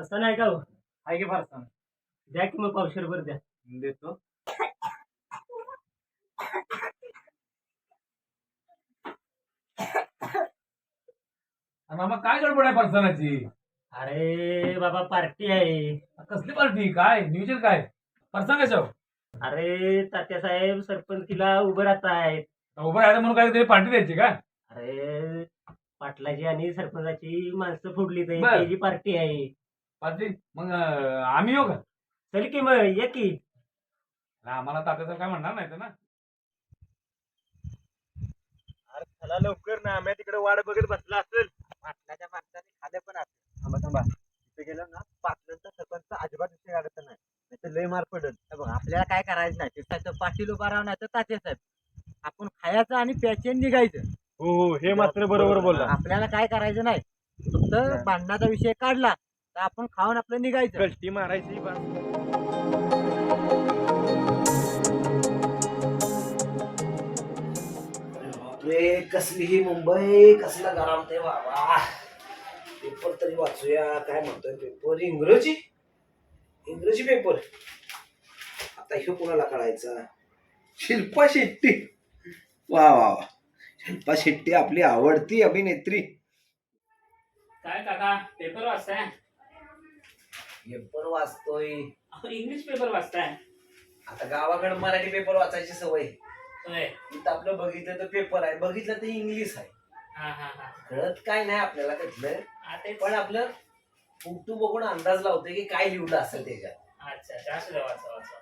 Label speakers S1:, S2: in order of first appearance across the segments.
S1: फरसाण आहे का हो?
S2: आहे की फरसाण
S1: द्या की मग पावशेरभर द्या.
S2: देतो. मामा काय गडबड आहे फरसाणाची?
S1: अरे बाबा पार्टी आहे.
S2: कसली पार्टी? काय नियोजन काय? फरसाण कशावर?
S1: अरे तात्यासाहेब सरपंचीला उभं राहत आहेत.
S2: उभं राहायचं म्हणून काय तरी पार्टी द्यायची का?
S1: अरे पाटलाची आणि सरपंचाची माणसं फोडली तर
S2: बर.
S1: त्याची पार्टी आहे.
S2: पार्टी मग आम्ही येऊ का?
S1: चल की मग ये की.
S2: आम्हाला तात्याचं काय म्हणणार नाही ना.
S1: अरे चला लवकर ना, आम्ही तिकडे वाट बघत बसला असेल. पाटलाच्या माणसाने खाल्लं पण असेल. थांबा थांबा, तिथे गेलो ना पाटलांचा सरपंच अजिबात विषय काढत नाही. नाही लय मार पडल. बघ आपल्याला काय करायचं नाही, तिथं पाटील उभा राहून तर तात्या साहेब आपण खायचं आणि प्याचे निघायचं.
S3: हो हो, हे मात्र बरोबर बोलला.
S1: आपल्याला काय करायचं नाही, फक्त भांडणाचा विषय काढला तर आपण खाऊन आपलं निघायचं.
S3: कष्टी मारायची
S4: बापरे, कसली ही मुंबई, कसला गरम ते बाबा. पेपर तरी वाचूया. काय म्हणतोय पेपर? इंग्रजी पेपर. आता ह्यो कोणाला कळायचा? शिल्पा शेट्टी. वा वा वा, शिल्पा शेट्टी आपली आवडती अभिनेत्री.
S5: काय काका पेपर वाचताय?
S4: पेपर वाचतोय.
S5: इंग्लिश पेपर वाचताय?
S4: आता गावाकडे मराठी पेपर वाचायची सवय.
S5: होय.
S4: इथं आपलं बघितलं तर पेपर आहे, बघितलं तर इंग्लिश आहे.
S5: हा हा हा.
S4: कळत काय नाही आपल्याला त्यातलं,
S5: हा, तेच.
S4: पण आपलं फोटो बघून अंदाज लावतोय की काय लिहिलं असेल त्याच्यात.
S5: अच्छा अच्छा, असू द्या, वाचा वाचा.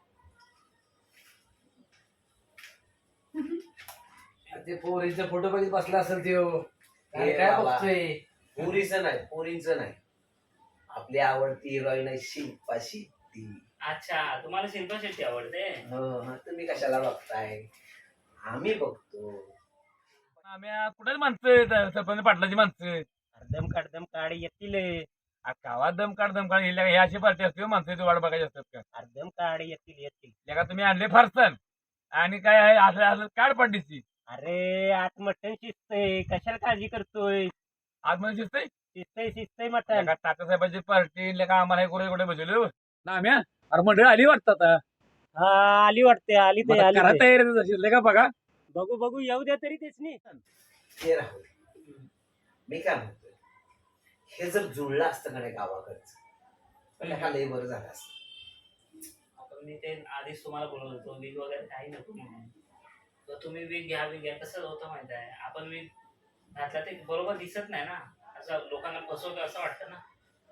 S2: ते पोरीचा फोटो बघित बसला असेल ते.
S4: काय बघतोय? पोरींचं नाही, आपली आवडती हिरोईन आहे शिल्पा शेट्टी.
S5: अच्छा, तुम्हाला शिल्पा शेट्टी आवडते?
S4: तुम्ही कशाला बघताय? आम्ही बघतो.
S2: आम्ही कुठेच माणसं सरपंच पाटलाची माणसं.
S1: दम काढ येतील.
S2: गावात दम काढ हे अशी पार्टी असते माणसं वाट बघायची असतात का?
S1: अर्धम काढ येतील.
S2: का तुम्ही आणले फरसाण आणि काय आहे असं असं काढ पार्टीची.
S1: अरे आत मटण शिजतंय, कशाला काळजी करतोय?
S2: आज म्हणजे
S1: शिजतंय मटण.
S2: तात्यासाहेबांची पार्टी का आम्हाला कुठे बसवलं ना आम्ही. अरे मंडळ आली वाटतं आता.
S1: हा आली वाटते, आली ते आली ते.
S2: तयारी का बघा.
S1: बघू येऊ द्या तरी तेच नाही.
S4: हे राहू दे. मी काय म्हणतोय, हे जर जुळलं असतं का नाही गावाकडचं, पण का लय बरं झालं असतं.
S5: आपण मी ते आधीच तुम्हाला बोलत होतो, वीज वगैरे काही नको म्हणून. तर तुम्ही वीज घ्या. कसं होतं माहिती आहे, आपण वीज घातला ते बरोबर दिसत नाही ना, असं लोकांना फसवतं असं वाटतं ना.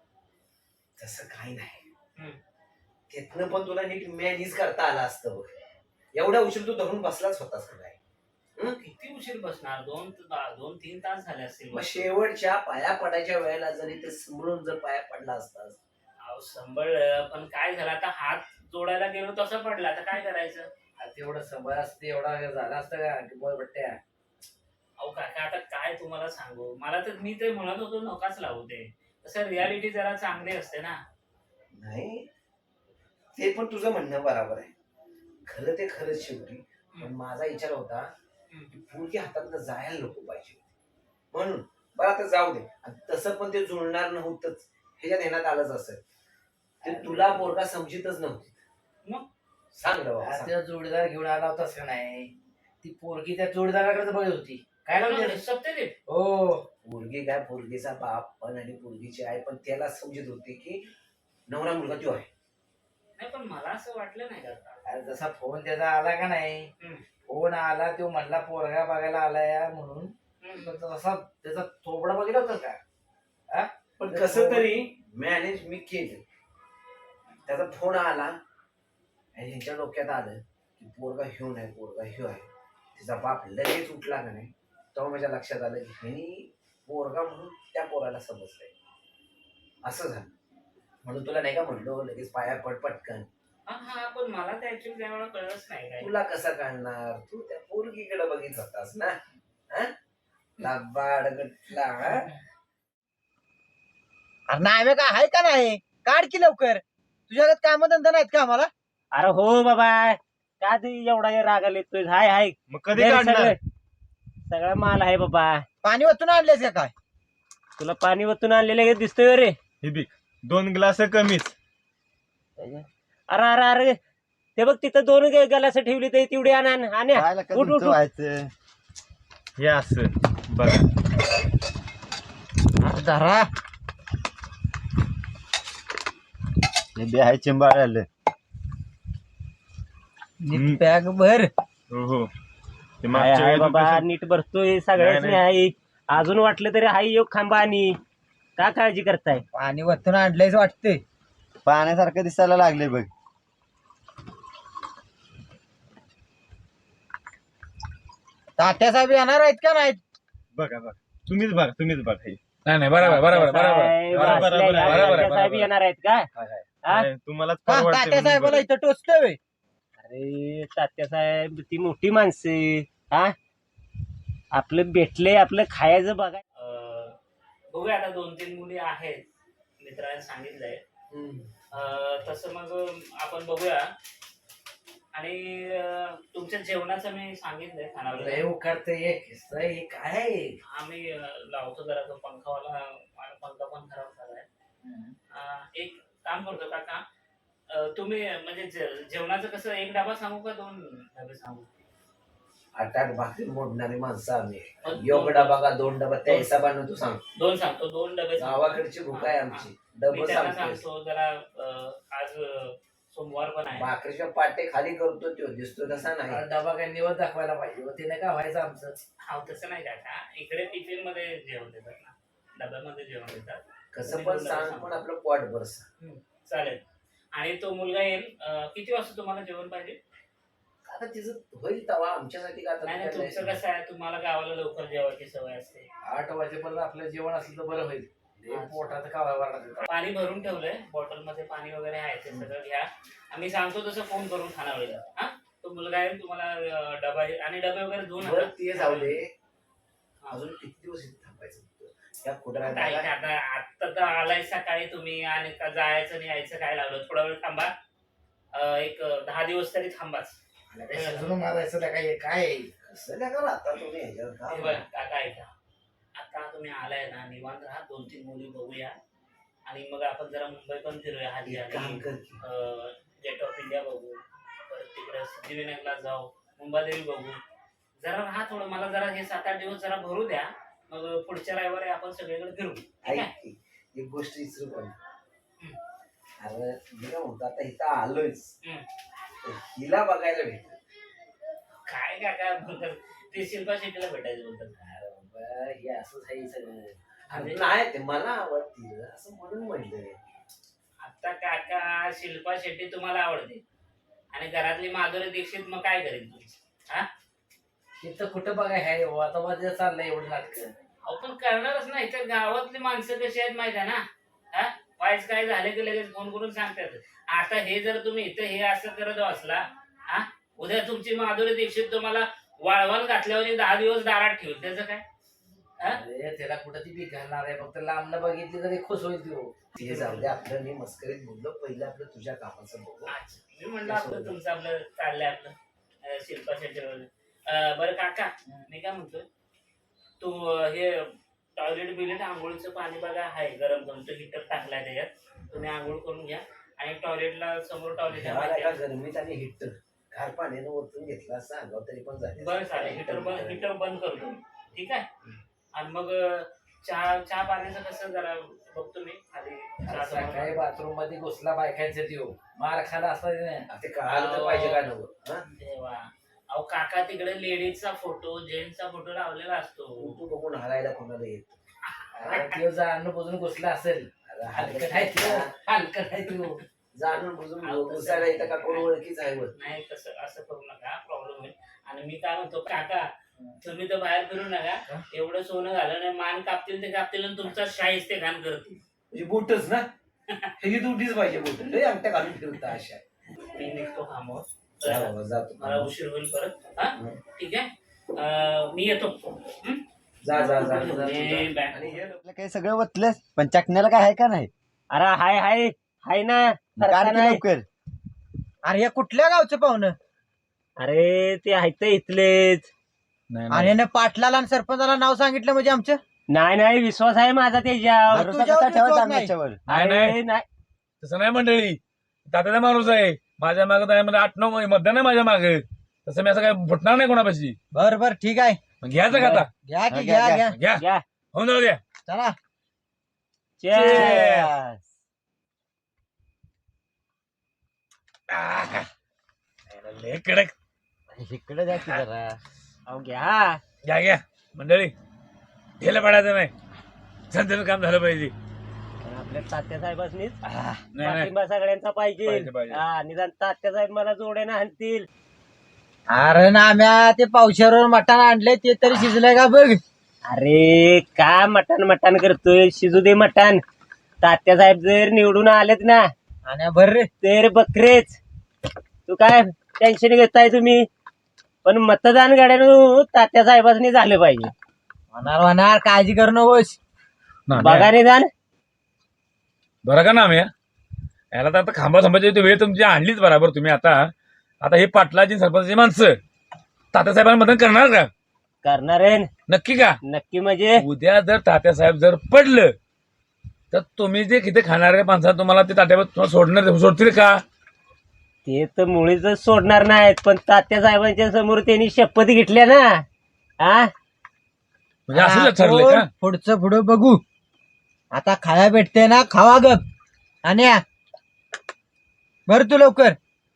S4: तसं काही नाही.
S5: हम्म.
S4: त्यातनं पण तुला नीट मॅनेज करता आलं असतं बघ. एवढा उशीर तू धरून बसलाच होतास का नाही?
S5: किती उशीर बसणार? 2-3 तास झाले असतील.
S4: मग शेवटच्या पाया पडायच्या वेळेला जरी ते समोरून जर पाया पडला असतास.
S5: अहो सांभाळलं, पण काय झालं आता, हात जोडायला गेलो तसं पडलं, आता काय करायचं?
S4: तेवढं समज असते, एवढा झाला असतं का बट्ट्या?
S5: अहो काका आता काय तुम्हाला सांगू, मला तर मी ते म्हणत होतो नकाच लावू ते. तसं रियालिटी जरा चांगली असते ना.
S4: नाही, ते पण तुझं म्हणणं बरोबर आहे. खरं ते खरंच शेवटी. पण माझा विचार होता की पोरगी हातात जायला नको पाहिजे म्हणून. बरं आता जाऊ दे, तसं पण ते जुळणार नव्हतंच, ह्याच्यात येण्यात आलंच असेल. ते तुला पोरगा समजितच नव्हती.
S5: मग
S4: सांग रे बाबा,
S6: त्या जोडीदार घेऊन आला होतास का नाही? ती पोरगी त्या जोडीदाराकडे बघत होती. काय लावली?
S5: सत्यदेव.
S6: हो,
S4: पोरगी काय, पोरगीचा बाप पण आणि पोरगीची आई पण त्याला समजत होते की नवरा मुलगा तो आहे.
S5: नाही पण मला असं वाटलं नाही का,
S6: जसा फोन त्याचा आला का नाही, फोन आला तो म्हणला पोरगा बघायला आलाय म्हणून. तसा त्याचा थोबडा बघितला होता का?
S4: पण कसं तरी मॅनेज मी केलं. त्याचा फोन आला आणि ह्यांच्या डोक्यात आलं की पोरगा ह्यो नाही, पोरगा ह्यो आहे. तिचा बाप लगेच उठला का नाही, तेव्हा माझ्या लक्षात आलं की ह्यांनी पोरगा म्हणून त्या पोराला समजलंय. असं झालं म्हणून तुला नाही का म्हणलो लगेच पाया पड पटकन.
S5: हा पण मला ते ऍक्च्युअली त्यावेळेला कळलंच नाही काय.
S4: तुला कसं कळणार? तू त्या पोरगीकडे बघित होतास ना. लाबाड गटला.
S1: अरे नाही का, आहे का नाही? काढ की लवकर. तुझ्याकडे काम धंदा नाहीत का आम्हाला? अरे हो बाबा, का तू एवढा रागाला येतोय? हाय
S3: मग कधी काढणार?
S1: सगळा माल आहे बाबा. पाणी वतून आणलेस का काय? तुला पाणी वतून आणलेलं दिसतोय रे.
S3: हे बी 2 ग्लास कमीच.
S7: अरे अरे अरे ते बघ तिथं 2 गलास ठेवली ते तेवढी आणा
S1: काय लका
S7: उठ, उठ,
S1: तुमचं
S7: उठ.
S1: व्हायचं.
S3: हे असं बघा.
S7: धरा
S1: हे बे आहे चिंबाळ आलं.
S3: हम्म.
S7: बॅग भर
S3: हो हो ते
S7: हाय
S3: मागच्या
S7: हाय
S3: वेळेस
S7: बाबा
S3: कसं-
S7: नीट भरतोय सगळ्याच
S3: नाही,
S7: आहे अजून वाटलं तरी हाय योग खांबा आणि का काळजी करताय
S6: पाणी वरतून आणलंयच वाटतंय.
S1: पाण्यासारखं दिसायला लागले बघ.
S6: तात्या साहेब येणार आहेत का नाहीत?
S3: बघा बघा तुम्हीच बघा हे.
S2: नाही नाही बरोबर बरोबर बरोबर
S7: साहेब
S3: बरोबर,
S7: असल्या
S3: बरोबर,
S7: या
S2: बरोबर,
S7: तात्या साहेब
S2: बरोबर.
S7: येणार आहेत का हा?
S3: नाही, तुम्हालाच
S6: हा,
S3: परवडते
S6: तात्या
S3: म्हणून
S6: साहेबाला
S3: बरं.
S6: इथं टोचतोय.
S7: अरे तात्या साहेब ती मोठी माणसे हा आपलं भेटले आपलं खायचं बघा
S5: बघूया आता 2-3 मुली आहेत मित्राने सांगितलंय. तसं मग आपण बघूया. आणि तुमच्या जेवणाचं मी सांगितलंय
S6: लय
S5: खानावळीला.
S6: उकडते हे काय?
S5: आम्ही लावतो जरा तो पंखावाला. माझा पंखा पण खराब झालाय. एक काम करतो काका, तुम्ही म्हणजे जेवणाचं कसं, 1 डबा सांगू का 2 डबे सांगू?
S4: 8-8 भाकरी मोडणारी माणसं आम्ही.
S5: मग
S4: योग डबा का 2 डबा त्या हिशोबानं तू सांग.
S5: 2 सांगतो, 2 डबे सांगतो.
S4: गावाकडची भूक आहे आमची.
S5: मी
S4: डबं
S5: त्यांना
S4: सांगतो.
S5: सांगतो जरा आज सोमवार पण आहे.
S4: भाकरीच्या पाटे खाली करतो तो दिसतो तसा नाही.
S6: डबा काय निवड दाखवायला पाहिजे होती नाही का व्हायचं आमचं.
S5: हा तसं नाही काका, इकडे टिफिन मध्ये जेवण देतात ना, डब्यामध्ये जेवण देतात.
S4: कसं पण सांग पण आपलं पोट भरस.
S5: चालेल. आणि तो मुलगा येईल किती वाजता तुम्हाला जेवण पाहिजे?
S4: आता तिचं होईल तवा आमच्यासाठी का
S5: नाही नाही, तुमचं
S4: आता
S5: कसं आहे, तुम्हाला गावाला लवकर जेवायची सवय असते.
S6: 8 वाजेपर्यंत आपलं जेवण असलं तर बरं होईल. हे पोटात खावा
S5: पाणी भरून ठेवलंय, बॉटल मध्ये पाणी वगैरे आहे, ते सगळं घ्या. आम्ही सांगतो तसं फोन करून खानावळीला. हा, तो मुलगा येईल, तुम्हाला डबा आणि डबे वगैरे धुवून
S4: बरं ते जाऊ दे. अजून किती दिवस इथे थांबायचं त्या कुठं
S5: आता तर आलाय सकाळी तुम्ही आणि जायचं आणि यायचं काय लावलं? थोडा वेळ थांबा, एक 10 दिवस तरी थांबाच.
S6: शिजून मारायचं काय?
S4: कसं नाही करा आता तुम्ही ह्याच्यावर
S5: हे
S4: का?
S5: बघ काका, ऐका, आता तुम्ही आलाय ना, निवांत राहा, 2-3 मुली बघूया आणि मग आपण जरा मुंबई पण फिरूया. हाजी
S4: एक काम
S5: आणि
S4: कर की.
S5: गेट ऑफ इंडिया बघू, परत तिकडे सिद्धिविनायकला जाऊ, मुंबादेवी बघू. जरा राहा थोडं, मला जरा हे 7-8 दिवस जरा भरू द्या, मग पुढच्या रविवारी आपण सगळीकडे फिरू. ठीक
S4: ऐक
S5: आहे?
S4: की, एक गोष्ट विसरू पण. अरे मी काय म्हणतो आता इथं आलोयच. हिला बघायला भेट.
S5: काय काका बोलतात ते, शिल्पा शेट्टीला भेटायचं बोलतात.
S4: अरे बाबा, हे असंच आहे सगळं.
S5: अरे
S4: नाही ते मला आवडतील असं म्हणून म्हणलं.
S5: आता काका शिल्पा शेट्टी तुम्हाला आवडते आणि घरातली माधुरी दीक्षित मग काय करेल तुमचं? हा,
S6: इथं कुठं बघाय आहे आता मध्ये चाललंय एवढं नाटक.
S5: आपण करणारच नाही तर गावातली माणसं कशी आहेत माहिती आहे ना. हा, वाईच काय झाले की लगेच फोन करून सांगतात. आता हे जर तुम्ही इथं हे असं करत असला, हा, उद्या तुमची माधुरी दीक्षित तुम्हाला वाळवण घातल्यावर 10 दिवस दारात ठेवून त्याचं काय?
S6: अरे त्याला कुठं ती बी घालणार आहे, फक्त लांबनं बघितली तरी खुश होईल ती.
S4: ते जाऊ दे, आपलं मी मस्करीत बोललो. पहिलं आपलं तुझ्या कामाचं बघू.
S5: अच्छा, मी म्हणलं आपलं तुमचं आपलं चाललंय आपलं शिल्पा शेट्टीवर. बरं काका, मी काय म्हणतोय, तू हे टॉयलेट बिलेट आंघोळीचं पाणी बघा आहे गरम करून, तो हिटर टाकलाय त्याच्यात, तुम्ही आंघोळ करून घ्या. आणि टॉयलेटला समोर टॉयलेट
S4: एका गरमीत आणि हिटर गार पाण्यानं ओतून घेतला असं अंगावर तरी पण झालं.
S5: बरं चालेल, हिटर बंद करतो, ठीक आहे. आणि मग चहा पाण्याचं कसं जरा बघतो मी खाली.
S6: सकाळी बाथरूम मध्ये घुसला बायकांचे देऊ मार खाला असता
S4: ते कळालं तर पाहिजे का नव्हतं. हा?
S5: देवा, अहो काका तिकडे लेडीजचा फोटो जेंट्सचा फोटो लावलेला असतो.
S4: तू बघून हरायला कोणाला येत.
S6: ते जाणून बुजून घुसला असेल. हलकट आहे तो, हलकट आहे तो.
S4: जाणून बुजून घुसायला येतं का कोण ओळखीच आहे वर.
S5: नाही तसं असं करू नका, प्रॉब्लेम होईल. आणि मी काय म्हणतो काका, तुम्ही तर बाहेर फिरू नका, एवढं सोनं घालं नाही, मान कापतील ते कापतील आणि तुमचा शाहीच ते घाण करतील.
S4: म्हणजे बोटच ना, ह्याची तुटीच पाहिजे बोट. लय अंगठ्या घालून फिरता अशा.
S5: मी निघतो कामावर,
S4: जा बाबा, जातो.
S5: मला उशीर होईल परत. हा, ठीक आहे, मी येतो.
S4: जा जा जा.
S5: मी back.
S4: आणि हे
S1: आपलं काही सगळं वतलंस पण चकण्याला काय आहे का नाही?
S7: अरे हाय हाय हाय ना
S1: काढ
S7: सारखा
S1: की
S7: नाही.
S1: लवकर.
S6: अरे हे कुठल्या गावचं पाहुणं?
S7: अरे ते आहेत इथलेच.
S2: नाही,
S6: आणि
S2: नाही.
S6: पाटलाला आणि सरपंचाला नाव सांगितलं म्हणजे आमचं
S7: नाही नाही विश्वास आहे माझा त्याच्यावर.
S1: भरोसा कसा ठेवायचा आमच्यावर?
S2: नाही
S7: अरे,
S2: नाही
S7: नाही
S2: तसं नाही मंडळी, तात्याचा माणूस आहे माझ्या मागं आहे म्हणजे 8-9 मतदान आहे माझ्या मागे, तसं मी असं काय फुटणार नाही कोणापाशी.
S1: बर बर ठीक आहे,
S2: मग घ्यायचं का आता?
S1: घ्या की
S3: घ्या,
S1: घ्या
S3: घ्या.
S1: घ्या
S2: घ्या
S7: घ्या.
S2: होऊन जाऊ द्या.
S1: चला.
S7: Cheers.
S2: आह, लय कडक.
S1: इकडे द्या की जरा.
S7: अहो घ्या.
S2: घ्या घ्या मंडळी, ढेला पडायचं नाही, संतचं काम झालं पाहिजे.
S7: पण आपल्या तात्या साहेबांनीच
S2: नाही नाही
S7: पाठिंबा सगळ्यांचा पाहिजे.
S2: पाहिजे, पाहिजे.
S7: हा निदान तात्या साहेब मला जोड्यानं आणतील.
S1: अरे नाम्या ते पावशेरवर मटण आणले ते तरी शिजलंय का बघ.
S7: अरे का मटण मटण करतोय, शिजू दे मटण. तात्या साहेब जर निवडून आलेत ना
S1: आणि भर रे.
S7: तर बकरेच. तू काय टेन्शन घेताय तुम्ही, पण मतदान गाड्यानं तात्या साहेबांनी झालं पाहिजे.
S1: होणार होणार, काळजी करू नकोस.
S7: बघा निदान.
S2: बरं का ना मी याला तर आता खांबा संभाजी वेळ तुमची आणलीच बरोबर तुम्ही. आता हे पाटलाची सरपंचाची माणसं तात्यासाहेबांना मदत करणार का?
S7: करणार आहे
S2: नक्की का?
S7: नक्की. म्हणजे
S2: उद्या जर तात्यासाहेब जर पडलं तर तुम्ही जे किती खाणारे माणसं तुम्हाला ते तात्यावर सोडतील का?
S7: ते तर मुळीच सोडणार नाहीत, पण तात्या साहेबांच्या समोर त्यांनी शपथ घेतल्या ना. हा
S2: म्हणजे असं ठरलंय का?
S1: आपण पुढचं पुढं बघू. आता खाया भेटते ना, खावा गप. आणि बर तू लवकर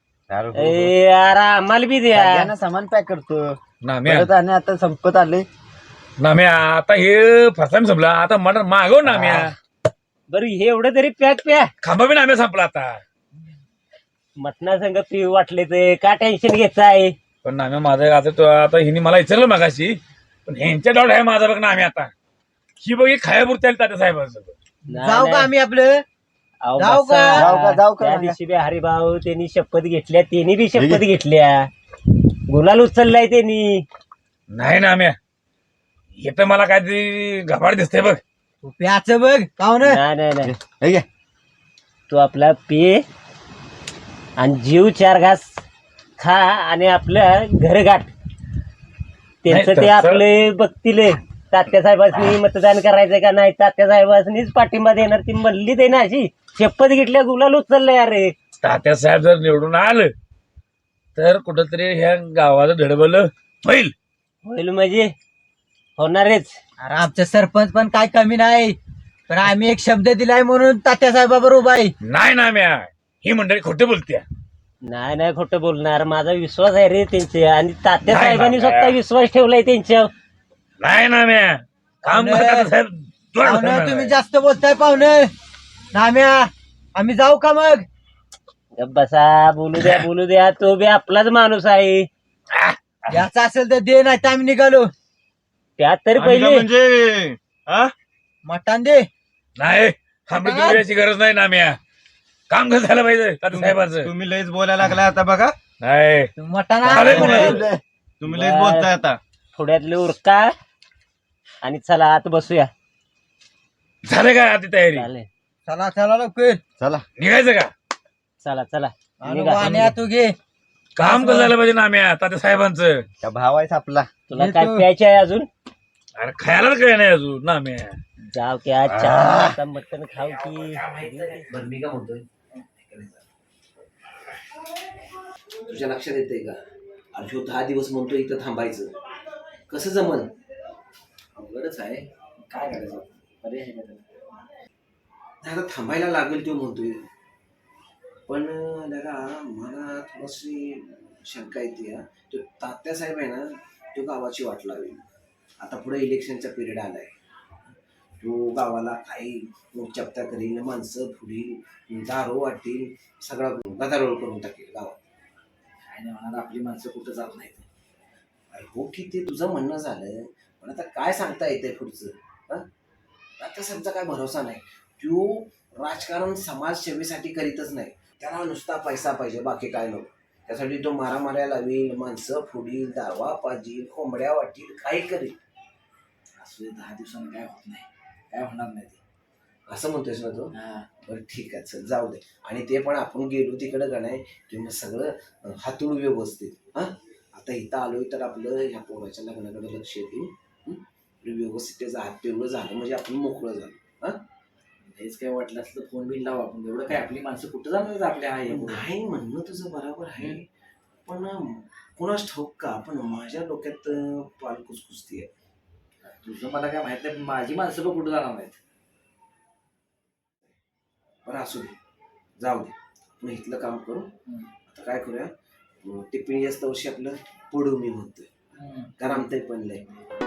S7: ए, यार आम्हाला बी द्या.
S1: सामान पॅक करतो.
S2: नाम्या
S1: आणि आता संपत आले.
S2: नाम्या आता हे फसाम संपला, आता मटण मागव नाम्या.
S7: बरं हे एवढं तरी पॅक प्या.
S2: खांबा बी नाम्या संपला आता.
S7: मटणा संग पिऊ वाटले ते का टेन्शन घ्यायचं.
S2: पण नाम्या माझं आता हिने मला विचारलं मगाशी, पण ह्यांच्या डाऊट आहे माझा बघ नाम्या. आता ही बघ खायापुरती आली तात्यासाहेबांचं.
S1: जाऊ का आम्ही आपलं? जाऊ का?
S7: जाऊ का? त्या दिवशी बी हरिभाऊ त्यांनी शपथ घेतल्या, त्यांनी बी शपथ घेतल्या, गुलाल उचललाय त्यांनी.
S2: नाही नाम्या, हे तर मला काहीतरी घबाड दिसतंय बघ.
S1: तू प्याचं बघ पाहुण.
S7: नाही नाही नाही, तू आपला पे आणि जीव 4 घास खा आणि आपलं घर गाठ. त्यांचं
S2: नाही,
S7: ते
S2: तसं-
S7: आपले बघतील. तात्या साहेबांनी मतदान करायचं का नाही, तात्या साहेबांनीच पाठिंबा देणार ती म्हणली ते ना. अशी शपथ घेतल्या गुलाल उचललंय. अरे
S2: तात्यासाहेब जर निवडून आलं तर कुठंतरी ह्या गावाचं धडबलं होईल.
S7: होईल म्हणजे होणारच.
S1: अरे आमचं सरपंच पण काय कमी नाही, पण आम्ही एक शब्द दिलाय म्हणून तात्या साहेबाबरोबर उभा आहे.
S2: नाही नाम्या, ही मंडळी खोटे बोलत्या.
S7: नाही नाही खोटं बोलणार, माझा विश्वास आहे रे त्यांचे. आणि तात्या
S2: नाही
S7: साहेबांनी
S2: बाबा.
S7: स्वतः विश्वास ठेवलाय त्यांच्यावर.
S2: नाही नाम्या, काम
S1: पाहुणे,
S2: तात्यासाहेब जोड
S1: पाहुणं
S2: बसवणार
S1: तुम्ही
S2: आहे.
S1: जास्त बोलताय पाहुणं. नाम्या आम्ही जाऊ का मग?
S7: गप्प बसा, बोलू द्या बोलू द्या. तो बी आपलाच माणूस आहे.
S1: याचा असेल तर दे, नाही तर आम्ही निघालो.
S7: त्यात तरी
S3: आम्ही का
S7: पहिले
S3: म्हणजे हा?
S1: मटण दे.
S2: नाही थांबली याची गरज नाही नाम्या, काम कसं झालं पाहिजे तात्यासाहेबांचं.
S3: तुम्ही लयच बोलायला लागलाय आता बघा.
S2: नाही
S1: मटण
S2: चालेल
S1: आणलं
S2: म्हणे.
S1: म्हणून.
S3: तुम्ही लयच बोलताय आता.
S7: थोड्यातले उरका आणि चला आत बसूया.
S2: झालं का आधी तयारी?
S7: चालेल,
S1: चला चला लवकर.
S3: चला
S2: निघायचं का?
S7: चला चला
S1: आणि
S7: निघा.
S1: वाण्या तू घे.
S2: काम कसं झालं पाहिजे नाम्या तात्यासाहेबांचं?
S3: त्या भाव आहे आपला.
S7: तुला
S1: ये
S7: काय
S1: तू.
S7: प्यायचे आहे अजून?
S2: अरे खायलाच काय नाही अजून नाम्या.
S7: जाव की आज चहा मटण खाऊ की.
S4: बरं मी काय म्हणतोय, तुझ्या लक्षात येतंय का? अरे ह्यो 10 दिवस म्हणतोय इथं थांबायचं, कसं जमन? अवघडच आहे. काय करायचं? अरे आता थांबायला लागेल तो म्हणतोय, पण दादा मला थोडीशी शंका येते. तो तात्यासाहेब आहे ना, तो गावाची वाट लावेल. आता पुढे इलेक्शनचा पिरियड आलाय, तो गावाला काही चपता करील, माणसं फुडील, दारू वाटतील, सगळा गदारोळ करून टाकेल गावात. काय नाही म्हणा, आपली माणसं कुठं जात नाहीत. अरे हो की ते तुझं म्हणणं झालं, पण आता काय सांगता येतंय पुढचं? तात्यासाहेबचा काय भरोसा नाही. तो राजकारण समाजसेवेसाठी करीतच नाही, त्याला नुसता पैसा पाहिजे, बाकी काय नको. त्यासाठी तो मारामाऱ्या लावील, माणसं फुडील, दावा पाजील, कोंबड्या वाटील, काही करेल. असं 10 दिवसांनी काय होत नाही, काय होणार नाही ते, असं म्हणतोयस ना तो? बरं ठीक आहे, चल जाऊ दे. आणि ते पण आपण गेलो तिकडं का नाही की मग सगळं हातूळ व्यवस्थित. आता इथं आलोय तर आपलं ह्या पोराच्या लग्नाकडे लक्ष येईल. आपलं व्यवस्थित त्याचा हात पिवळं झालं म्हणजे आपण मोकळं झालं.
S6: हेच काय वाटलं असलं फोन बिन लावा आपण एवढं काय आपली माणसं कुठं जाणार आपल्या आहे
S4: नाही म्हणणं तुझं बरोबर आहे, पण कोणाच ठाऊक का पण माझ्या डोक्यात पाल कुसकुसती आहे.
S6: तुझं मला काय माहित नाही माझी माणसं पण कुठं जाणार नाहीत.
S4: बरं असू दे, जाऊ दे, आपण इथलं काम करू. आता काय करूया, टिप्पणी जास्त वर्षी आपलं पडू मी म्हणतोय, कारण आमचं पण लय